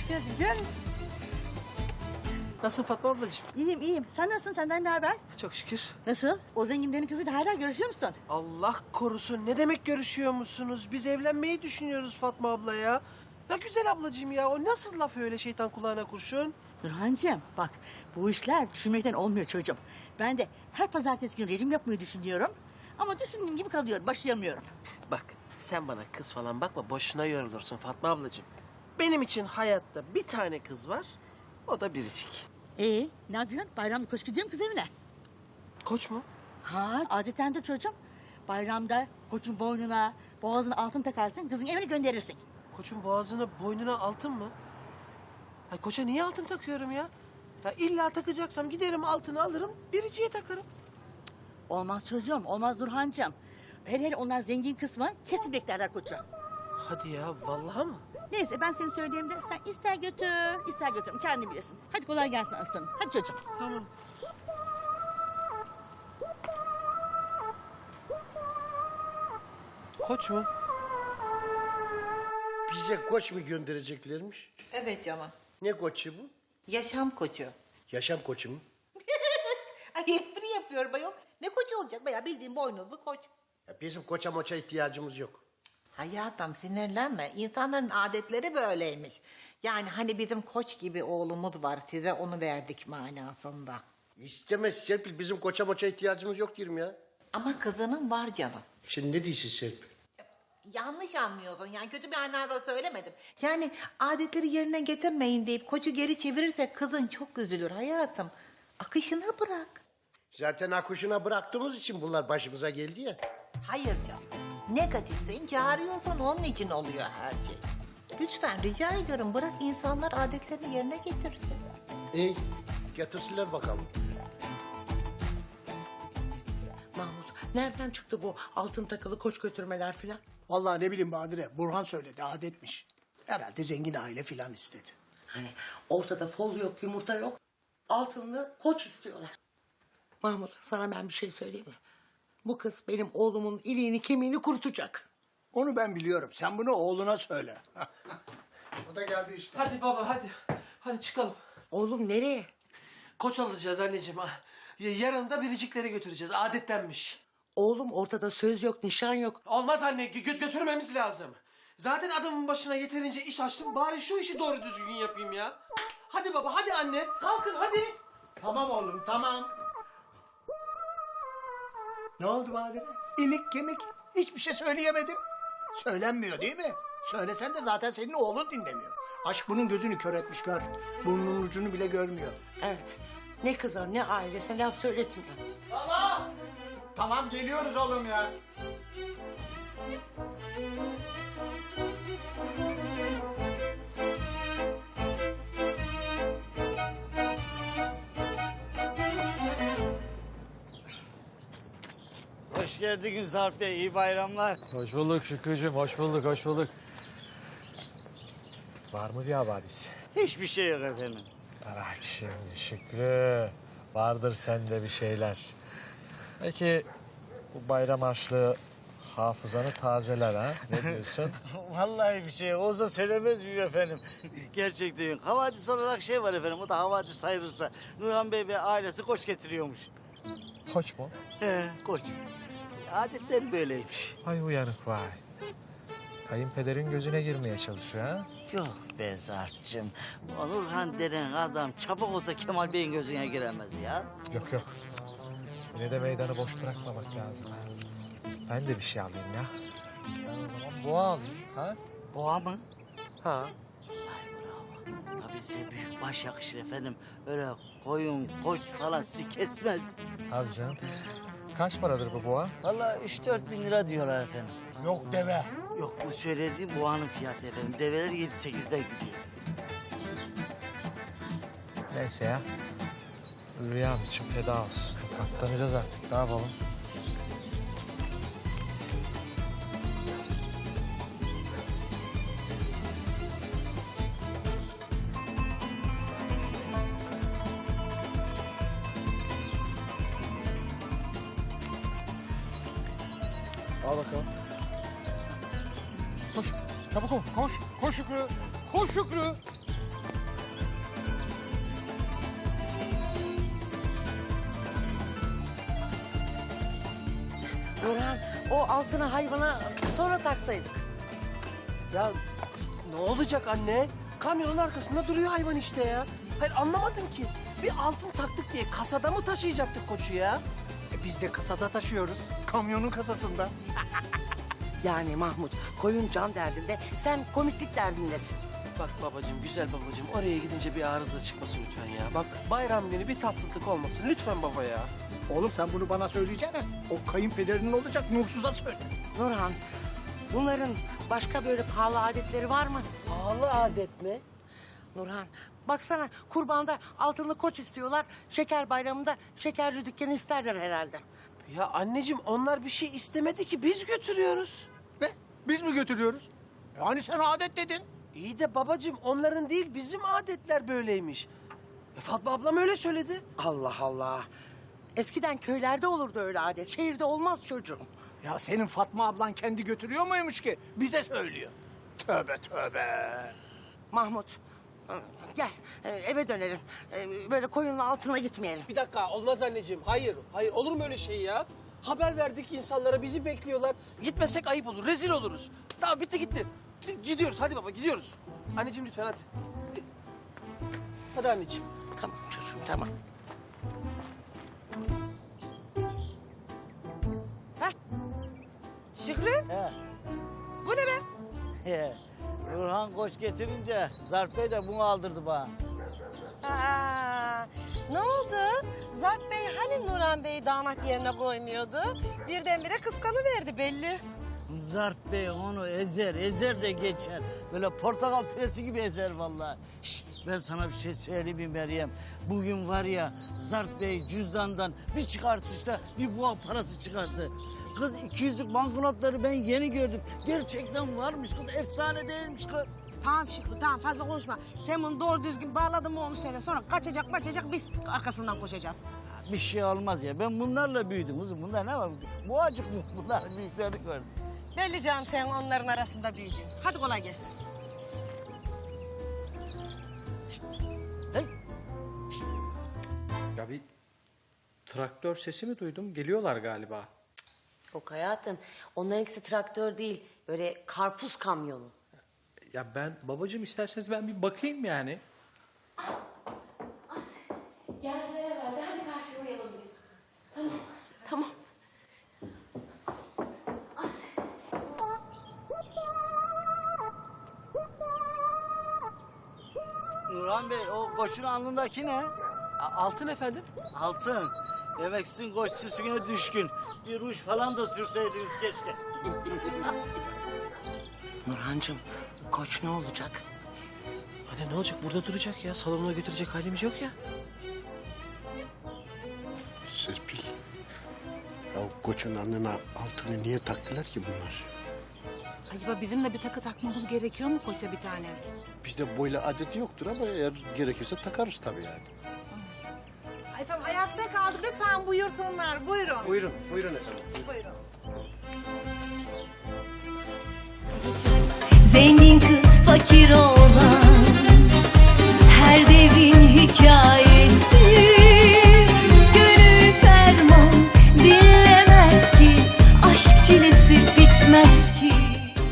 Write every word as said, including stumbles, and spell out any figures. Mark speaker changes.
Speaker 1: geldin, gel. Nasılsın Fatma ablacığım?
Speaker 2: İyiyim iyiyim. Sen nasılsın? Senden ne haber?
Speaker 1: Çok şükür.
Speaker 2: Nasıl? O zenginlerin kızıyla hala görüşüyor musun?
Speaker 1: Allah korusun. Ne demek görüşüyor musunuz? Biz evlenmeyi düşünüyoruz Fatma abla ya. Ya güzel ablacığım ya. O nasıl laf öyle şeytan kulağına kurşun?
Speaker 2: Nurhancığım bak bu işler düşünmekten olmuyor çocuğum. Ben de her pazartesi günü rejim yapmayı düşünüyorum. Ama düşündüğüm gibi kalıyor. Başlayamıyorum.
Speaker 1: Bak sen bana kız falan bakma. Boşuna yorulursun Fatma ablacığım. Benim için hayatta bir tane kız var. O da biricik.
Speaker 2: Ee, ne yapıyorsun? Bayramda koş gidiyor mu kız evine?
Speaker 1: Koç mu?
Speaker 2: Ha, adetendir çocuğum. Bayramda koçun boynuna, boğazına altın takarsın, kızın evine gönderirsin.
Speaker 1: Koçun boğazına, boynuna altın mı? Ay koça niye altın takıyorum ya? Ya illa takacaksam giderim altını alırım, biriciye takarım.
Speaker 2: Olmaz çocuğum, olmaz Nurhancığım. Hele hele onlar zengin kısmı kesin beklerler koçu.
Speaker 1: Hadi ya, vallahi mı?
Speaker 2: Neyse ben seni söyleyeyim de sen ister götür, ister götürüm kendi bilesin. Hadi kolay gelsin aslanım. Hadi çocuğum.
Speaker 1: Tamam. Koç mu?
Speaker 3: Bize koç mu göndereceklermiş?
Speaker 4: Evet canım.
Speaker 3: Ne koçu bu?
Speaker 4: Yaşam koçu.
Speaker 3: Yaşam koçu mu?
Speaker 4: Ay espri yapıyorum ayol. Ne koçu olacak bayağı bildiğin boynuzlu koç.
Speaker 3: Ya bizim koça moça ihtiyacımız yok.
Speaker 4: Hayatım sinirlenme. İnsanların adetleri böyleymiş. Yani hani bizim koç gibi oğlumuz var. Size onu verdik manasında.
Speaker 3: İstemez Serpil, bizim koça moça ihtiyacımız yok diyorum ya.
Speaker 4: Ama kızının var canım.
Speaker 3: Sen ne diyorsun Serpil?
Speaker 4: Yanlış anlıyorsun. Yani kötü bir anlamda söylemedim. Yani adetleri yerine getirmeyin deyip koçu geri çevirirsek kızın çok üzülür hayatım. Akışına bırak.
Speaker 3: Zaten akışına bıraktığımız için bunlar başımıza geldi ya.
Speaker 4: Hayır canım. Negatifsin, çağırıyorsan onun için oluyor her şey. Lütfen rica ediyorum bırak insanlar adetlerini yerine getirsin.
Speaker 3: İyi, getirsinler bakalım.
Speaker 5: Mahmut, nereden çıktı bu altın takılı koç götürmeler filan?
Speaker 6: Vallahi ne bileyim Badire, Burhan söyledi, adetmiş. Herhalde zengin aile filan istedi.
Speaker 5: Hani ortada fol yok, yumurta yok. Altınlı koç istiyorlar. Mahmut, sana ben bir şey söyleyeyim mi? Bu kız benim oğlumun iliğini kemiğini kurutacak.
Speaker 6: Onu ben biliyorum, sen bunu oğluna söyle. O da geldi işte.
Speaker 1: Hadi baba, hadi. Hadi çıkalım.
Speaker 5: Oğlum nereye?
Speaker 1: Koç alacağız anneciğim. ha. Ya- Yarın da biricikleri götüreceğiz. Adettenmiş.
Speaker 5: Oğlum ortada söz yok, nişan yok.
Speaker 1: Olmaz anne, gö- götürmemiz lazım. Zaten adamın başına yeterince iş açtım. Bari şu işi doğru düzgün yapayım ya. Hadi baba, hadi anne. Kalkın hadi.
Speaker 6: Tamam oğlum, tamam. Ne oldu Badire? İlik kemik, hiçbir şey söyleyemedim. Söylenmiyor değil mi? Söylesen de zaten senin oğlun dinlemiyor. Aşk bunun gözünü kör etmiş, gör. Burnunun ucunu bile görmüyor.
Speaker 5: Evet, ne kıza ne ailesine laf söyletmiyor.
Speaker 6: Tamam, geliyoruz oğlum ya.
Speaker 7: Hoş geldiniz Sarp Bey, iyi bayramlar.
Speaker 8: Hoş bulduk Şükrücüğüm, hoş bulduk, hoş bulduk. Var mı bir havadis?
Speaker 7: Hiçbir şey yok efendim.
Speaker 8: Bırak şimdi Şükrü. Vardır sende bir şeyler. Peki bu bayram harçlığı hafızanı tazeler ha? Ne diyorsun?
Speaker 7: Vallahi bir şey olsa söylemez miyim efendim? Gerçekten havadis olarak şey var efendim, o da havadis sayılırsa. Nurhan Bey ve ailesi koç getiriyormuş.
Speaker 8: Koç mu?
Speaker 7: He, koç. Adetler böyleymiş.
Speaker 8: Ay uyanık vay. Kayınpederin gözüne girmeye çalışıyor ha?
Speaker 7: Yok be Zarp'cığım. O Nurhan denen adam çabuk olsa Kemal Bey'in gözüne giremez ya.
Speaker 8: Yok yok. Yine de meydanı boş bırakmamak lazım. ha. Ben de bir şey alayım ya. Ben o zaman boğa alayım ha?
Speaker 7: Boğa mı?
Speaker 8: Ha.
Speaker 7: Ay bravo. Tabii size büyük baş yakışır efendim. Öyle koyun, koç falan sizi kesmez.
Speaker 8: Tabii canım. Kaç paradır bu boğa?
Speaker 7: Vallahi üç dört bin lira diyorlar efendim.
Speaker 6: Yok deve.
Speaker 7: Yok bu söylediğim boğanın fiyatı efendim. Develer yedi sekizden gidiyor.
Speaker 8: Neyse ya. Rüyam için feda olsun. Katlanacağız artık. Ne yapalım? Al bakalım. Koş. Çabuk ol. Koş. Koş Şükrü. Koş Şükrü.
Speaker 5: Nurhan o altını hayvana sonra taksaydık.
Speaker 1: Ya ne olacak anne? Kamyonun arkasında duruyor hayvan işte ya. Hayır anlamadım ki. Bir altın taktık diye kasada mı taşıyacaktık koçu ya?
Speaker 6: E biz de kasada taşıyoruz. Kamyonun kasasında.
Speaker 5: Yani Mahmut koyun can derdinde sen komiklik derdindesin.
Speaker 1: Bak babacığım, güzel babacığım. Oraya gidince bir arıza çıkmasın lütfen ya. Bak bayram günü bir tatsızlık olmasın. Lütfen baba ya.
Speaker 6: Oğlum sen bunu bana söyleyeceğine o kayınpederinin olacak Nursuz'a söyle.
Speaker 5: Nurhan bunların başka böyle pahalı adetleri var mı?
Speaker 1: Pahalı adet mi?
Speaker 5: Nurhan baksana kurbanda altınlı koç istiyorlar. Şeker bayramında şekerci dükkanı isterler herhalde.
Speaker 1: Ya anneciğim onlar bir şey istemedi ki biz götürüyoruz.
Speaker 6: Ne? Biz mi götürüyoruz? Yani sen adet dedin.
Speaker 1: İyi de babacığım onların değil bizim adetler böyleymiş. E, Fatma ablam öyle söyledi.
Speaker 5: Allah Allah. Eskiden köylerde olurdu öyle adet. Şehirde olmaz çocuğum.
Speaker 6: Ya senin Fatma ablan kendi götürüyor muymuş ki? Bize söylüyor. Tövbe tövbe.
Speaker 5: Mahmut gel e, eve dönelim. E, Böyle koyunun altına gitmeyelim.
Speaker 1: Bir dakika olmaz anneciğim. Hayır, hayır olur mu öyle şey ya? Haber verdik insanlara bizi bekliyorlar. Gitmesek ayıp olur, rezil oluruz. Tamam bitti gitti. Gidiyoruz hadi baba gidiyoruz. Anneciğim lütfen hadi. Hadi, hadi anneciğim.
Speaker 5: Tamam çocuğum tamam.
Speaker 4: Şükrü,
Speaker 7: He.
Speaker 4: bu ne be?
Speaker 7: He. Nurhan koç getirince Zarp Bey de bunu aldırdı bana.
Speaker 9: Aa, ne oldu? Zarp Bey hani Nurhan Bey'i damat yerine koymuyordu? Birdenbire kıskanıverdi belli.
Speaker 7: Zarp Bey onu ezer, ezer de geçer. Böyle portakal piresi gibi ezer vallahi. Şş, ben sana bir şey söyleyeyim mi Meryem? Bugün var ya Zarp Bey cüzdandan bir çıkartışta bir boğa parası çıkarttı. Kız iki yüzlük banknotları ben yeni gördüm. Gerçekten varmış kız, efsane değilmiş kız.
Speaker 9: Tamam Şükrü tamam fazla konuşma. Sen bunu doğru düzgün bağladın mı onu söyle. Sonra kaçacak kaçacak biz arkasından koşacağız.
Speaker 7: Bir şey olmaz ya. Ben bunlarla büyüdüm kızım. Bunlar ne var? Boğacık mı? Bunlar büyüklerini gördüm.
Speaker 9: Belli canım sen onların arasında büyüdün. Hadi kolay gelsin.
Speaker 7: Hey,
Speaker 10: Ya bir traktör sesi mi duydum? Geliyorlar galiba.
Speaker 11: Yok hayatım. Onlarınkisi traktör değil. Böyle karpuz kamyonu.
Speaker 10: Ya ben babacığım isterseniz ben bir bakayım yani.
Speaker 11: Geldiler herhalde. Hadi karşılayalım biz. Tamam. Tamam.
Speaker 7: Nurhan Bey o koçun alnındaki ne?
Speaker 1: A- altın efendim.
Speaker 7: Altın. Demek sizin koç süsüne düşkün. Bir ruj falan da sürseydiniz keşke.
Speaker 5: Nurhancığım koç ne olacak?
Speaker 1: Anne ne olacak burada duracak ya. Salonuna götürecek halimiz yok ya.
Speaker 3: Serpil. Ya o koçun alnına altını niye taktılar ki bunlar?
Speaker 4: Acaba bizim de bir takı takmamız gerekiyor mu koça bir tane?
Speaker 3: Bizde böyle adeti yoktur ama eğer gerekirse takarız tabii yani.
Speaker 4: Ay tamam ayakta kaldık lütfen buyursunlar buyurun.
Speaker 3: Buyurun, buyurun efendim.
Speaker 4: Buyurun.
Speaker 12: Zengin kız fakir olan her devrin hikayesi.